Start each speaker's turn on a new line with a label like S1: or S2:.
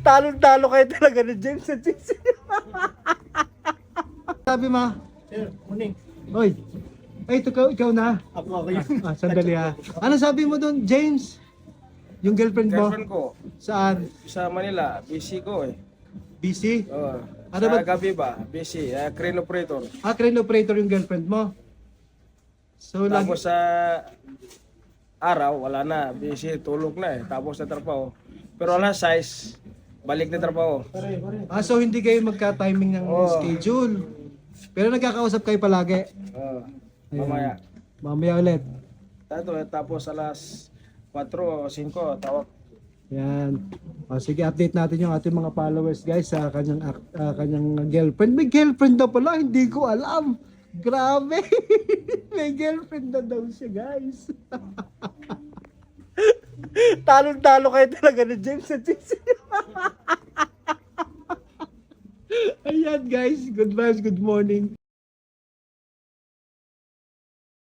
S1: Talong-talo kayo talaga ni James at Sisi. Sabi ma?
S2: Sir, morning.
S1: Oy. Ay, ikaw na.
S2: Ako yun.
S1: Sandali ha. Ano sabi mo doon, James? Yung girlfriend mo?
S3: Girlfriend ko,
S1: Saan?
S3: sa Manila, busy ko eh.
S1: Busy?
S3: Oo.
S1: Ano
S3: Sa
S1: ba-
S3: gabi ba, busy, crane operator.
S1: Crane operator yung girlfriend mo? So,
S3: Tapos sa araw, wala na, busy, tulog na eh. Tapos na trabaho. Pero wala size, balik na trabaho.
S1: so hindi kayo magka-timing ng
S3: Oo.
S1: schedule. Pero nagkakausap kayo palagi.
S3: Oo.
S1: Ayan.
S3: Mamaya.
S1: Mamaya ulit.
S3: Tapos alas 4 o 5, tawag.
S1: Yan. Sige, update natin yung ating mga followers guys sa kanyang girlfriend. May girlfriend na pala, hindi ko alam. Grabe. May girlfriend na daw siya guys. Talong-talo kayo talaga ni James at Sisi. Ayan guys, good vibes, good morning.